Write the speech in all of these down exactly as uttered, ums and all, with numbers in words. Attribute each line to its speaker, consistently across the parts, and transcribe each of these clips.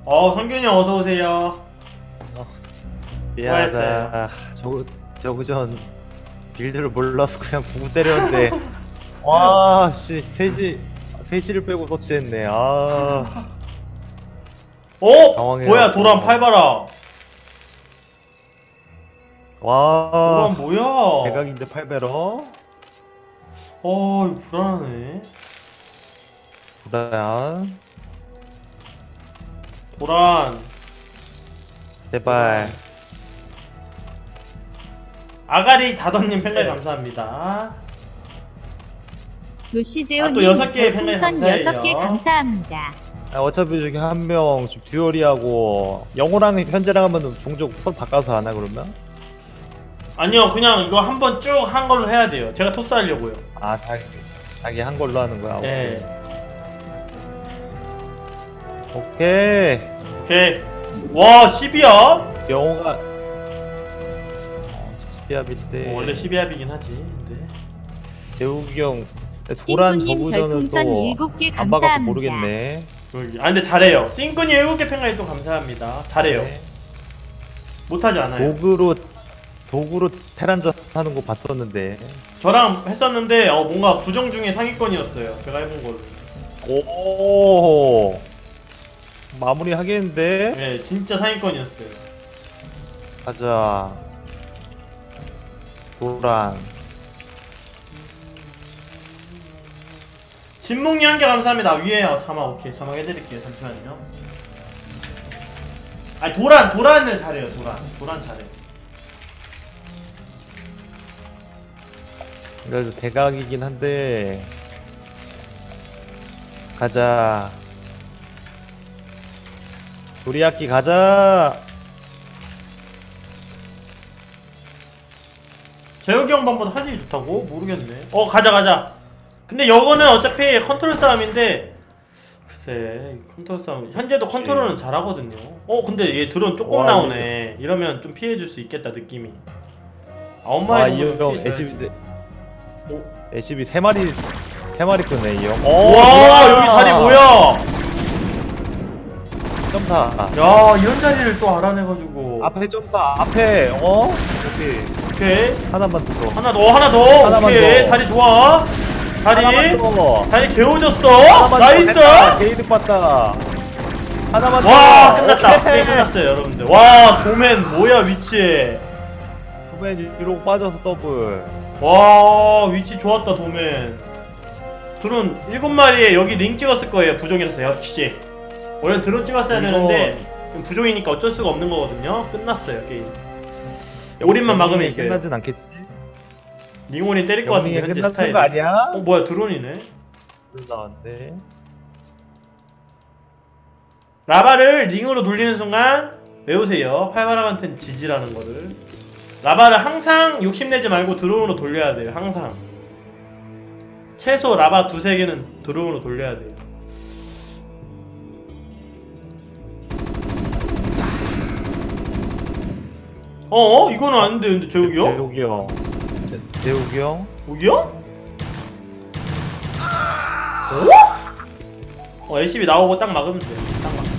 Speaker 1: 어, 성균이 형 어서 오세요.
Speaker 2: 어,
Speaker 1: 수고했어요.
Speaker 2: 미안하다. 저, 저그 전 빌드를 몰라서 그냥 구구 때렸는데 와, 씨, 셋이 셋이를 빼고 터치했네. 아,
Speaker 1: 어?
Speaker 2: 당황해요.
Speaker 1: 뭐야, 도란 팔바라.
Speaker 2: 와,
Speaker 1: 도란 뭐야?
Speaker 2: 대각인데 팔베러.
Speaker 1: 어, 이거 불안하네.
Speaker 2: 도란,
Speaker 1: 도란.
Speaker 2: 제발.
Speaker 1: 아가리 다던님 팬가입
Speaker 2: 네.
Speaker 1: 감사합니다.
Speaker 3: 루시제오님
Speaker 1: 아, 또 여섯 개의 팬가입
Speaker 3: 별풍선
Speaker 1: 감사해요.
Speaker 3: 여섯 개 감사합니다.
Speaker 2: 아, 어차피 저기 한 명 지금 듀얼이하고 영호랑 현재랑 하면 종족 손 바꿔서 하나 그러면?
Speaker 1: 아니요, 그냥 이거 한번 쭉 한 걸로 해야 돼요. 제가 토스 하려고요.
Speaker 2: 아, 자기 자기 한 걸로 하는 거야.
Speaker 1: 예.
Speaker 2: 오케이.
Speaker 1: 오케이. 와, 십이야?
Speaker 2: 영호가 어, 비합인데
Speaker 1: 어, 원래 십이 합이긴 하지. 근데.
Speaker 2: 재욱이 형 도란
Speaker 3: 띵꾸님
Speaker 2: 저구전은
Speaker 3: 별풍선
Speaker 2: 또
Speaker 3: 일곱 개
Speaker 2: 안 봐갖고
Speaker 3: 감사합니다.
Speaker 2: 모르겠네.
Speaker 1: 여기. 아, 근데 잘해요. 띵꾼이 일곱 개 팬가입 또 감사합니다. 잘해요.
Speaker 2: 네.
Speaker 1: 못하지 않아요.
Speaker 2: 도구로 도구로 테란전 하는 거 봤었는데.
Speaker 1: 저랑 했었는데 어, 뭔가 부정 중에 상위권이었어요. 제가 해본 걸로.
Speaker 2: 오, 마무리 하겠는데.
Speaker 1: 네, 진짜 상위권이었어요.
Speaker 2: 가자. 도란.
Speaker 1: 진몽이 한 개 감사합니다. 위에 어, 자막 오케이 자막 해드릴게요. 잠시만요. 아니 도란 도란을 잘해요. 도란 도란 잘해.
Speaker 2: 그래도 대각이긴 한데. 가자. 도리야끼 가자.
Speaker 1: 재욱이 형 방보다 화질이 좋다고? 모르겠네. 어 가자 가자. 근데 이거는 어차피 컨트롤 싸움인데 글쎄 컨트롤 싸움 현재도 컨트롤은 잘하거든요. 어 근데 얘 드론 조금
Speaker 2: 와,
Speaker 1: 나오네. 이러면 좀 피해줄 수 있겠다 느낌이. 아홉
Speaker 2: 아,
Speaker 1: 마리
Speaker 2: 이
Speaker 1: 정도는
Speaker 2: 형
Speaker 1: 피해줘야지.
Speaker 2: 에시비
Speaker 1: 오.
Speaker 2: 에시비 세 마리 세 마리 끄네 이 형.
Speaker 1: 와 여기 자리 뭐야?
Speaker 2: 점사.
Speaker 1: 야 이런 자리를 또 알아내가지고.
Speaker 2: 앞에 점사. 앞에 어? 여기
Speaker 1: 오케이
Speaker 2: 하나만 더.
Speaker 1: 하나 더 하나 더.
Speaker 2: 하나만
Speaker 1: 오케이
Speaker 2: 더.
Speaker 1: 자리 좋아. 자리
Speaker 2: 하나만 더.
Speaker 1: 자리 개워졌어.
Speaker 2: 하나만 더.
Speaker 1: 나이스.
Speaker 2: 됐다. 게이드 봤다. 하나만 더.
Speaker 1: 와 끝났다.
Speaker 2: 오케이.
Speaker 1: 게임 끝났어요 여러분들. 와 도맨 뭐야 위치.
Speaker 2: 도맨 위로 빠져서 더블.
Speaker 1: 와 위치 좋았다 도맨. 드론 일곱 마리에 여기 링 찍었을 거예요. 부종이라서 역시 원래 드론 찍었어야
Speaker 2: 이거...
Speaker 1: 되는데 부종이니까 어쩔 수가 없는 거거든요. 끝났어요 게임. 올인만 막으면 이겨요.
Speaker 2: 끝나진 않겠지?
Speaker 1: 링올인 때릴 것 같은데 현재
Speaker 2: 끝났던
Speaker 1: 스타일.
Speaker 2: 거 아니야?
Speaker 1: 어 뭐야 드론이네.
Speaker 2: 나왔네.
Speaker 1: 라바를 링으로 돌리는 순간 외우세요. 팔바람한테는 지지라는 거를. 라바를 항상 욕심내지 말고 드론으로 돌려야 돼요. 항상 최소 라바 두세 개는 드론으로 돌려야 돼요. 어? 이거는 아닌데 근데 재욱이 형?
Speaker 2: 재욱이 형. 재- 재욱이 형?
Speaker 1: 여기요? 어? 어 엘씨비 나오고 딱 막으면 돼. 딱 막.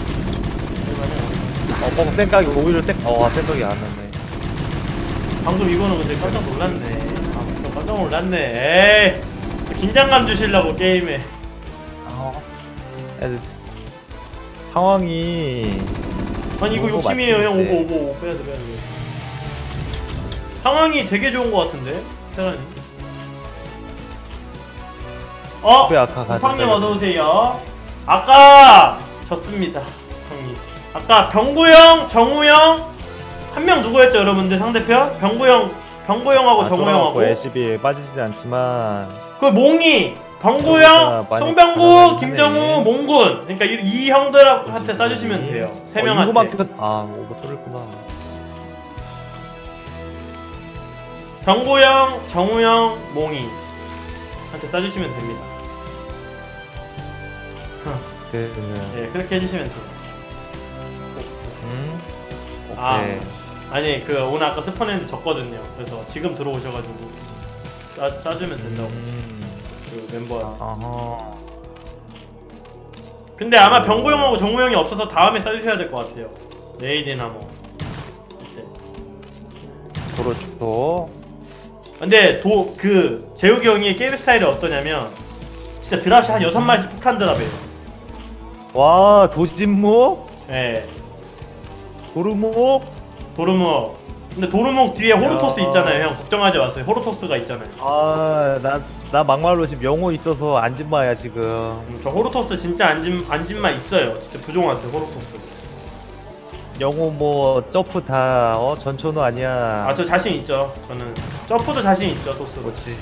Speaker 2: 어, 뻥 생각이 오히려 생, 어, 생각이 안 나네.
Speaker 1: 방금 이거는 근데 깜짝 놀랐네. 아, 깜짝 놀랐네. 에이, 긴장감 주시려고 게임에.
Speaker 2: 어. 애들 상황이
Speaker 1: 아니 이거
Speaker 2: 오버
Speaker 1: 욕심이에요 형.
Speaker 2: 맞지?
Speaker 1: 오버 오버 오버 빼야돼 빼야돼. 상황이 되게 좋은 것 같은데 테란이. 어?
Speaker 2: 왜 아까 가져다
Speaker 1: 형님 어서오세요. 아까 졌습니다 형님. 아까 병구형 정우형 한 명 누구였죠 여러분들 상대편? 병구형 병구형하고
Speaker 2: 아,
Speaker 1: 정우형하고
Speaker 2: 에시비에 빠지지 않지만
Speaker 1: 그 몽이 병구형,
Speaker 2: 그러니까 많이
Speaker 1: 송병구,
Speaker 2: 가난하긴
Speaker 1: 김정우,
Speaker 2: 하네.
Speaker 1: 몽군. 그러니까 이, 이 형들한테 쏴주시면 돼요. 세
Speaker 2: 어,
Speaker 1: 명한테.
Speaker 2: 이거밖에 아 오버 뚫렸구나.
Speaker 1: 병구형, 정우형, 몽이 한테 쏴주시면 됩니다.
Speaker 2: 그,
Speaker 1: 예, 그렇게 해주시면 돼요.
Speaker 2: 음?
Speaker 1: 아,
Speaker 2: 오케이.
Speaker 1: 아니 그 오늘 아까 스폰했는데 졌거든요. 그래서 지금 들어오셔가지고 쏴, 쏴주면 된다고.
Speaker 2: 음.
Speaker 1: 그 멤버랑.
Speaker 2: 아하.
Speaker 1: 근데 아마 병구 형하고 정우 형이 없어서 다음에 써주셔야 될 것 같아요. 레이디나 뭐.
Speaker 2: 그렇죠.
Speaker 1: 근데 도 그 재욱이 형이 게임 스타일이 어떠냐면 진짜 드랍이 한 여섯 마리씩 폭탄 드랍이에요.
Speaker 2: 와 도진목?
Speaker 1: 예.
Speaker 2: 도루목?
Speaker 1: 도르목. 근데 도르목 뒤에 호르토스
Speaker 2: 야.
Speaker 1: 있잖아요. 형 걱정하지 마세요. 호르토스가 있잖아요.
Speaker 2: 아나 나 막말로 지금 영호 있어서 안진마야 지금.
Speaker 1: 음, 저 호르토스 진짜 안진 안진마 있어요. 진짜 부종한테 호르토스.
Speaker 2: 영호 뭐 점프 다 어 전초는 아니야.
Speaker 1: 아 저 자신 있죠. 저는 점프도 자신 있죠. 토스.
Speaker 2: 그렇지.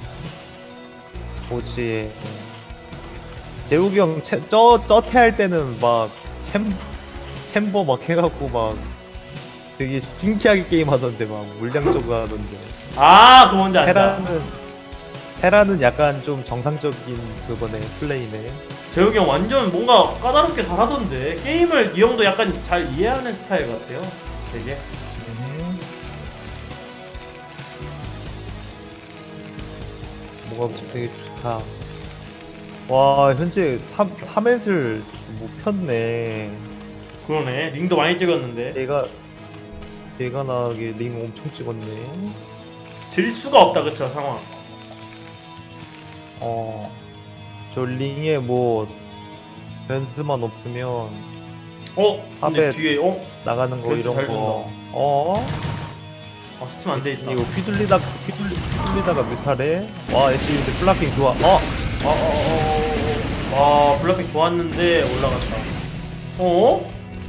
Speaker 2: 그렇지. 재욱이 형저 저태 할 때는 막 챔 챔버 막 해갖고 막 되게 신기하게 게임하던데 막 물량적으로 하던데.
Speaker 1: 아 그거 뭔지 알다.
Speaker 2: 테라는 테라는 약간 좀 정상적인 그거네 플레이네.
Speaker 1: 재욱이 형 완전 뭔가 까다롭게 잘하던데 게임을 이 형도 약간 잘 이해하는 스타일 같아요. 되게.
Speaker 2: 음. 뭐가 되게 좋다. 와 현재 삼 삼эт을 못 폈네.
Speaker 1: 그러네. 링도 많이 찍었는데
Speaker 2: 내가 내가 나게 링 엄청 찍었네.
Speaker 1: 질 수가 없다 그쵸 상황.
Speaker 2: 어. 저 링에 뭐 변수만 없으면
Speaker 1: 어? 근데
Speaker 2: 팝에
Speaker 1: 뒤에 어?
Speaker 2: 나가는 거
Speaker 1: 변수
Speaker 2: 이런
Speaker 1: 잘
Speaker 2: 거. 어?
Speaker 1: 아 스팀 안 돼 있다.
Speaker 2: 이거 휘둘리다 휘둘리, 휘둘리다가 뮤탈해. 와 애쉬 근데 플라킹 좋아. 어?
Speaker 1: 어, 어, 어, 어. 와 블라핑 좋았는데 올라갔다. 어?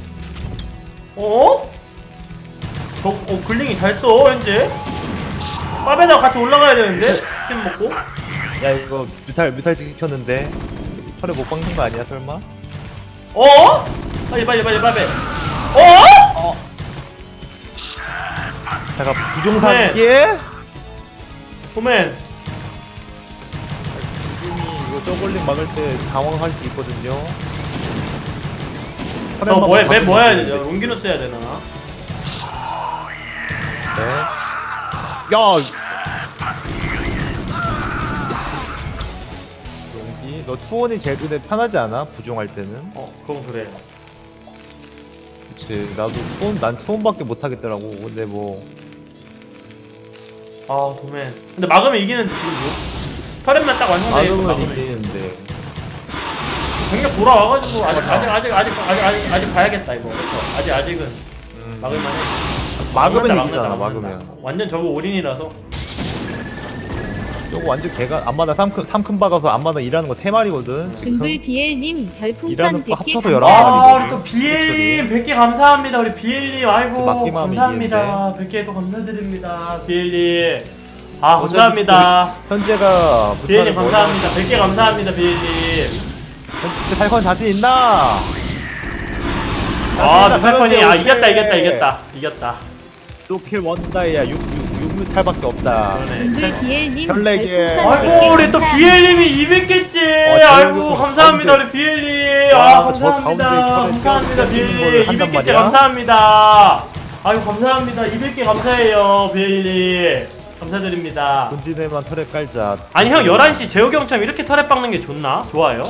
Speaker 1: 어? 저, 어 글링이 잘 써 현재. 빠베다 같이 올라가야 되는데 스팀 먹고.
Speaker 2: 야 이거 뮤탈 뮤탈 지켰는데 털에 못 박는 거 아니야 설마?
Speaker 1: 어? 빨리 빨리 빨리 빨리. 어?
Speaker 2: 어. 잠깐 부종사기에?
Speaker 1: 호맨.
Speaker 2: 이거 저걸링 막을 때 당황할 수 있거든요.
Speaker 1: 저 뭐해 맵 뭐 해야 되죠?
Speaker 2: 되는데.
Speaker 1: 롱기누스 해야 되나?
Speaker 2: 네. 야. 용기, 너 투원이 제일 눈에 편하지 않아? 부종할 때는?
Speaker 1: 어 그건 그래.
Speaker 2: 그치. 나도 투원, 난 투원밖에 못 하겠더라고. 근데 뭐.
Speaker 1: 아 도맨. 근데 막으면 이기는 지금 뭐? 터렛만 딱 완성돼 있고
Speaker 2: 막으면
Speaker 1: 막으면
Speaker 2: 이기는데.
Speaker 1: 경력 돌아와가지고 아직 아직 아직 아직 아직 아직 아직 봐야겠다 이거. 그쵸? 아직 아직은
Speaker 2: 음.
Speaker 1: 막을만해.
Speaker 2: 막으면
Speaker 1: 막는다,
Speaker 2: 이기잖아,
Speaker 1: 막는다,
Speaker 2: 막으면.
Speaker 1: 막는다. 완전 저거 올인이라서.
Speaker 2: 저거 완전 개가 안마다 삼큰 삼큰 박아서 안마다 일하는 거 세 마리거든.
Speaker 3: 중불 비엘님 별풍선
Speaker 2: 일하는 거
Speaker 3: 백 개
Speaker 2: 합쳐서 열한
Speaker 3: 감사합니다.
Speaker 2: 마리.
Speaker 1: 아 우리 또 비엘님 백 개 감사합니다. 우리 비엘님 아이고
Speaker 2: 막기만 하면
Speaker 1: 감사합니다. 백 개 또 감사드립니다. 비엘님. 아 감사합니다.
Speaker 2: 현재가
Speaker 1: 비엘님 감사합니다. 백 개 감사합니다. 비엘님.
Speaker 2: 현재 탈건 자신 있나?
Speaker 1: 아
Speaker 2: 자신 있나?
Speaker 1: 누팔콘이 아
Speaker 2: 오케이.
Speaker 1: 이겼다 이겼다 이겼다 이겼다.
Speaker 2: 또킬 원다이야 육 뮤탈밖에 없다.
Speaker 1: 그러네.
Speaker 3: 중불 비엘님
Speaker 2: 별네개.
Speaker 3: 별풍선 백 개
Speaker 1: 아이고 우리 또
Speaker 3: 감사합니다.
Speaker 1: 비엘님이 이백 개째.
Speaker 2: 어,
Speaker 1: 아이고
Speaker 2: 저기
Speaker 1: 감사합니다
Speaker 2: 가운데.
Speaker 1: 우리 비엘님.
Speaker 2: 와,
Speaker 1: 아
Speaker 2: 저 가운데
Speaker 1: 감사합니다.
Speaker 2: 털에
Speaker 1: 감사합니다
Speaker 2: 껴- 껴주는
Speaker 1: 비엘님.
Speaker 2: 거를 한단
Speaker 1: 이백 개째
Speaker 2: 말이야?
Speaker 1: 감사합니다. 아이고 감사합니다. 이백 개 감사해요 비엘님. 감사드립니다.
Speaker 2: 본진에만 털에 깔자.
Speaker 1: 아니 형 열한 시 재욱이 형처럼 이렇게 털에 박는 게 좋나? 좋아요?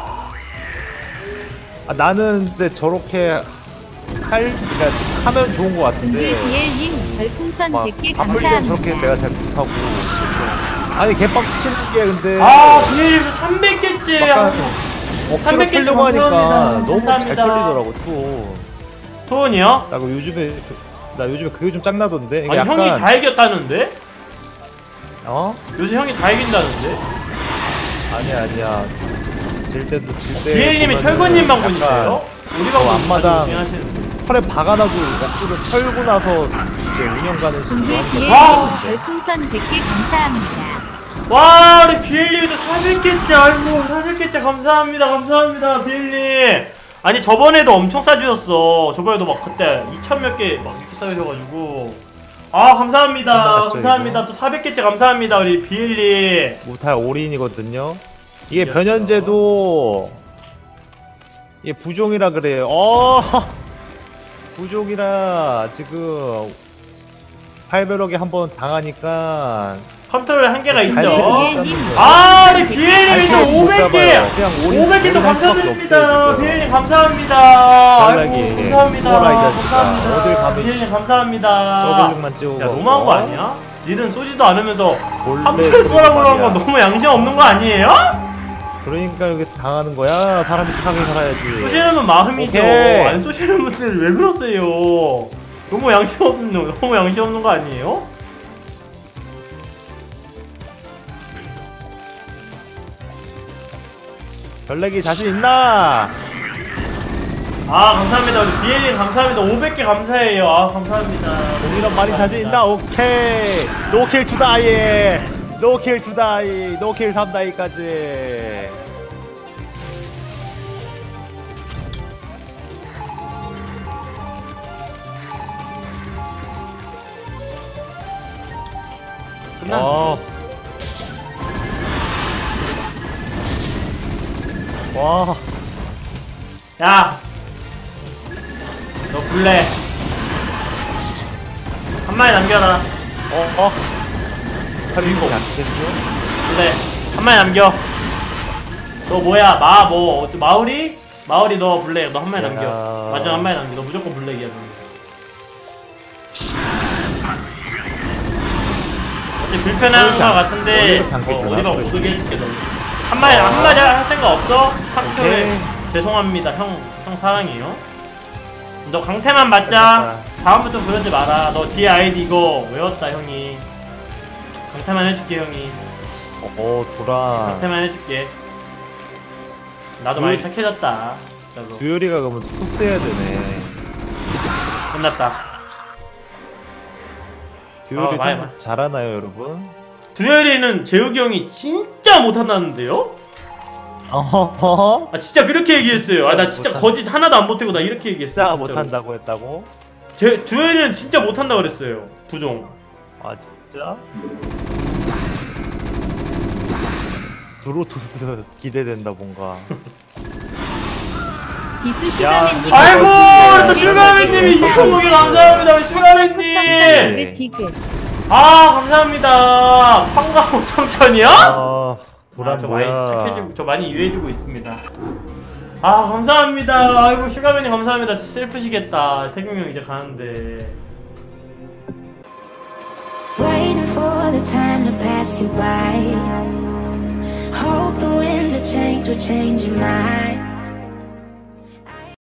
Speaker 2: 아, 나는 근데 저렇게 할 그러니까 하면 좋은 거
Speaker 3: 중불
Speaker 2: 같은데.
Speaker 3: 비엘님 별풍선
Speaker 2: 막
Speaker 3: 백 개
Speaker 2: 반물량
Speaker 3: 감사합니다.
Speaker 2: 저렇게 내가 잘 못하고. 아니 개빡 치는 게 근데.
Speaker 1: 아 비엘님 삼백 개째.
Speaker 2: 약간 억지로
Speaker 1: 삼백 개째
Speaker 2: 털려고 하니까
Speaker 1: 감사합니다.
Speaker 2: 너무 잘
Speaker 1: 감사합니다.
Speaker 2: 털리더라고 투.
Speaker 1: 토은이요?
Speaker 2: 나 그 요즘에 그- 나 요즘에 그게 좀 짱나던데.
Speaker 1: 아니
Speaker 2: 이게 약간
Speaker 1: 형이 다 이겼다는데?
Speaker 2: 어?
Speaker 1: 요새 형이 다 이긴다는데?
Speaker 2: 아니야 아니야. 질 때도 질 때.
Speaker 1: 비엘님이
Speaker 2: 보면은
Speaker 1: 철권님만
Speaker 2: 약간
Speaker 1: 분이세요? 우리
Speaker 2: 저
Speaker 1: 방송
Speaker 2: 앞마당
Speaker 1: 하시는데.
Speaker 2: 털에 박아놔도 억지로 털고 나서 이제 운영 가는 식으로
Speaker 3: 중불
Speaker 2: 하는 거
Speaker 3: 비엘님
Speaker 1: 와.
Speaker 3: 별풍선 백 개 감사합니다.
Speaker 1: 와 우리 비엘님도 사백 개째. 아이고 사백 개째 감사합니다 감사합니다 비엘님. 아니 저번에도 엄청 싸주셨어. 저번에도 막 그때 이천 몇 개 막 이렇게 싸주셔가지고 아 감사합니다
Speaker 2: 끝나갔죠,
Speaker 1: 감사합니다.
Speaker 2: 이거?
Speaker 1: 또 사백 개째 감사합니다 우리 비엘님.
Speaker 2: 무탈 올인이거든요. 이게
Speaker 1: 이겼어.
Speaker 2: 변현재도 이게 부종이라 그래요. 어 부종이라 지금 팔백억에 한번 당하니까
Speaker 1: 컨트롤 한계가 있죠.
Speaker 3: 비엘님
Speaker 1: 아, 우리 비엘님이 또
Speaker 2: 못
Speaker 1: 오백 개!
Speaker 2: 잡아요. 그냥 올인-
Speaker 1: 오백 개 또
Speaker 2: 올인할 수밖에
Speaker 1: 감사드립니다.
Speaker 2: 없어요, 지금.
Speaker 1: 비엘님 감사합니다.
Speaker 2: 편하게
Speaker 1: 아이고, 감사합니다.
Speaker 2: 수월하게 진짜.
Speaker 1: 감사합니다.
Speaker 2: 어딜 가면
Speaker 1: 비엘님 감사합니다.
Speaker 2: 저글링만 찍고
Speaker 1: 야, 너무한 거 아니야? 니는 쏘지도 않으면서
Speaker 2: 원래
Speaker 1: 한푼 쏘라고 그러는 건
Speaker 2: 말이야.
Speaker 1: 너무 양심 없는 거 아니에요?
Speaker 2: 그러니까 여기 당하는 거야. 사람이 착하게 살아야지.
Speaker 1: 쏘시는 분 마음이죠.
Speaker 2: 오케이.
Speaker 1: 안 쏘시는 분들 왜 그러세요? 너무 양심 없는, 너무 양심 없는 거 아니에요?
Speaker 2: 별내기 자신 있나?
Speaker 1: 아, 감사합니다. 우리 비엘님 감사합니다. 오백 개 감사해요. 아, 감사합니다.
Speaker 2: 우리랑 많이 자신 있나? 오케이. 노킬 투다이. 노킬 투다이. 노킬 삼다이까지.
Speaker 1: 끝났네.
Speaker 2: 어. 와.
Speaker 1: 야, 너 블랙 한 마리 남겨라.
Speaker 2: 어, 어. 팔리고 안 되겠어?
Speaker 1: 블랙 한 마리 남겨. 너 뭐야? 마 뭐? 어째 마우리? 마우리 너 블랙 너 한 마리
Speaker 2: 야.
Speaker 1: 남겨. 맞아, 한 마리 남겨. 너 무조건 블랙이야. 너. 어째 불편한 거 같은데
Speaker 2: 어디로 잠겼구나,
Speaker 1: 어, 어디가 못
Speaker 2: 그렇지.
Speaker 1: 오게 해줄게 너. 한 마리 한 마리 할 생각 없어? 상표에
Speaker 2: 오케이.
Speaker 1: 죄송합니다. 형, 형 사랑해요. 너 강태만 맞자.
Speaker 2: 알겠다.
Speaker 1: 다음부터 그러지 마라. 너 뒤에 아이디 이거 외웠다 형이. 강태만 해줄게 형이.
Speaker 2: 어, 돌아.
Speaker 1: 강태만 해줄게. 나도
Speaker 2: 그-
Speaker 1: 많이 착해졌다. 진짜로.
Speaker 2: 두열이가 그러면 토스 해야 되네.
Speaker 1: 끝났다.
Speaker 2: 두열이
Speaker 1: 어, 많이
Speaker 2: 토스
Speaker 1: 봐.
Speaker 2: 잘하나요, 여러분?
Speaker 1: 두열이는 재욱이 형이 진짜 못한다는데요?
Speaker 2: 어허허?
Speaker 1: 아 진짜 그렇게 얘기했어요. 아 나 진짜
Speaker 2: 못한-
Speaker 1: 거짓 하나도 안 보태고 나 이렇게 얘기했어.
Speaker 2: 진짜
Speaker 1: 진짜로.
Speaker 2: 못한다고 했다고?
Speaker 1: 제 두열이는 진짜 못한다 그랬어요. 부종.
Speaker 2: 아, 진짜? 드로토스 기대된다, 뭔가.
Speaker 3: 비수 슈가맨님
Speaker 1: 아이고 우리 또
Speaker 3: 네,
Speaker 1: 슈가맨님이
Speaker 3: 네,
Speaker 1: 이쁜 고기 감사합니다 우리 슈가맨님.
Speaker 3: 디귿 디귿
Speaker 1: 아 감사합니다. 황가 오천천이요?
Speaker 2: 아, 도란
Speaker 1: 아, 저 많이
Speaker 2: 뭐야.
Speaker 1: 착해지고 저 많이 유해지고 있습니다. 아 감사합니다. 아이고 슈가맨님 감사합니다. 슬프시겠다. 태경 형 이제 가는데.
Speaker 4: Waiting for the time to pass you by. Hope the winds of change will change your mind.